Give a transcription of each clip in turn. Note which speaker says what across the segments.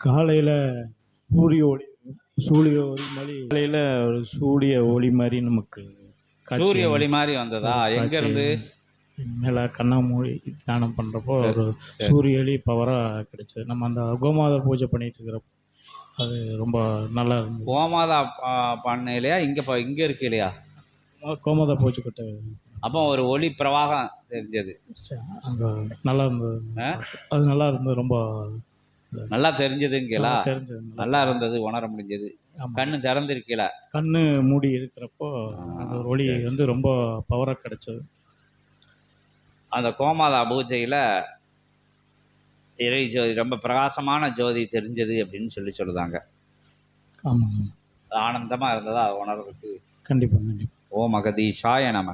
Speaker 1: காலையில் சூரிய ஒளி சூரிய ஒளி மாதிரி காலையில் ஒரு சூரிய ஒளி மாதிரி நமக்கு
Speaker 2: சூரிய ஒளி மாதிரி வந்ததா? எங்க இருந்து?
Speaker 1: மேலே கண்ணா மூடி தியானம் பண்ணுறப்போ ஒரு சூரிய ஒளி பவராக கிடைச்சது. நம்ம அந்த கோமாதா பூஜை பண்ணிட்டு இருக்கிறப்போ அது ரொம்ப நல்லா இருந்தது.
Speaker 2: கோமாதா பண்ணலையா? இங்கே இருக்கு இல்லையா?
Speaker 1: கோமாதா பூஜை கிட்ட
Speaker 2: அப்போ ஒரு ஒளி பிரவாகம் தெரிஞ்சது.
Speaker 1: அங்கே நல்லா இருந்தது. அது நல்லா இருந்தது. ரொம்ப
Speaker 2: நல்லா தெரிஞ்சதுங்களா?
Speaker 1: தெரிஞ்சது.
Speaker 2: நல்லா இருந்தது, உணர முடிஞ்சது. கண்ணு திறந்திருக்கல.
Speaker 1: கண்ணு மூடி இருக்கிறப்போ அந்த ஒளி வந்து ரொம்ப பவராக கிடைச்சது.
Speaker 2: அந்த கோமாதா பூஜையில் இறை ஜோதி ரொம்ப பிரகாசமான ஜோதி தெரிஞ்சது அப்படின்னு சொல்லுதாங்க.
Speaker 1: ஆமாம்,
Speaker 2: ஆனந்தமாக இருந்ததா உணர்வுக்கு?
Speaker 1: கண்டிப்பாக.
Speaker 2: ஓம் அகதீஷாய நமக.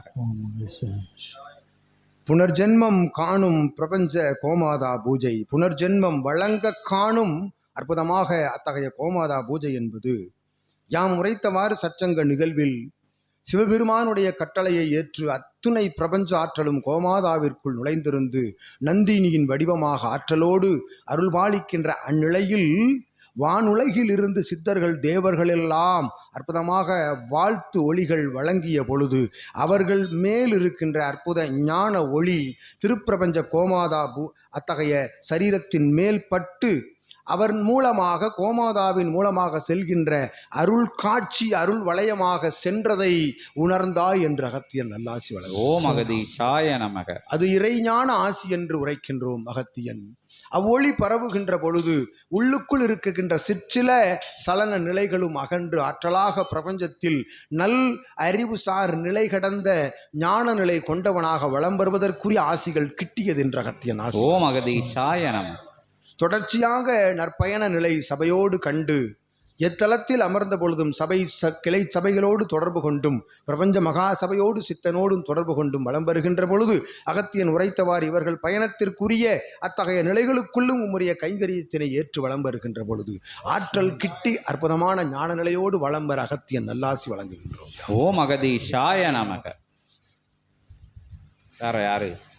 Speaker 3: புனர்ஜென்மம் காணும் பிரபஞ்ச கோமாதா பூஜை, புனர்ஜென்மம் வழங்க காணும் அற்புதமாக அத்தகைய கோமாதா பூஜை என்பது யாம் உரைத்தவாறு சச்சங்க நிகழ்வில் சிவபெருமானுடைய கட்டளையை ஏற்று அத்துணை பிரபஞ்ச ஆற்றலும் கோமாதாவிற்குள் நுழைந்திருந்து நந்தினியின் வடிவமாக ஆற்றலோடு அருள்பாலிக்கின்ற அந்நிலையில் வானுலகில் இருந்து சித்தர்கள் தேவர்கள் எல்லாம் அற்புதமாக வாழ்த்து ஒளிகள் வழங்கிய பொழுது அவர்கள் மேல் இருக்கின்ற அற்புத ஞான ஒளி திருப்பிரபஞ்ச கோமாதா அத்தகைய சரீரத்தின் மேல் பட்டு அவர் மூலமாக கோமாதாவின் மூலமாக செல்கின்ற அருள் காட்சி அருள் வளையமாக சென்றதை உணர்ந்தாய் என்று அகத்தியன் நல்லாசி வழங்க.
Speaker 2: ஓம் அகதீஷாய நமக.
Speaker 3: அது இறைஞான ஆசி என்று உரைக்கின்றோம். அகத்தியன் அவ்வொளி பரவுகின்ற பொழுது உள்ளுக்குள் இருக்குகின்ற சிற்சில சலன நிலைகளும் அகன்று ஆற்றலாக பிரபஞ்சத்தில் நல் அறிவுசார் நிலை கடந்த ஞான நிலை கொண்டவனாக வலம் வருவதற்குரிய ஆசிகள் கிட்டியது என்று அகத்தியன் ஆசி.
Speaker 2: ஓம் அகதீஷாய நமக.
Speaker 3: தொடர்ச்சியாக நற்பயண நிலை சபையோடு கண்டு எத்தலத்தில் அமர்ந்த பொழுதும் கிளை சபைகளோடு தொடர்பு கொண்டும் பிரபஞ்ச மகா சபையோடு சித்தனோடும் தொடர்பு கொண்டும் வலம் வருகின்ற பொழுது அகத்தியன் உரைத்தவாறு இவர்கள் பயணத்திற்குரிய அத்தகைய நிலைகளுக்குள்ளும் உம்முடைய கைங்கரியத்தினை ஏற்று வலம் வருகின்ற பொழுது ஆற்றல் கிட்டி அற்புதமான ஞான நிலையோடு வலம் வர அகத்தியன் நல்லாசி வழங்குகின்றோம்.
Speaker 2: ஓம் அகதீஷாய நமக. வேற யாரு?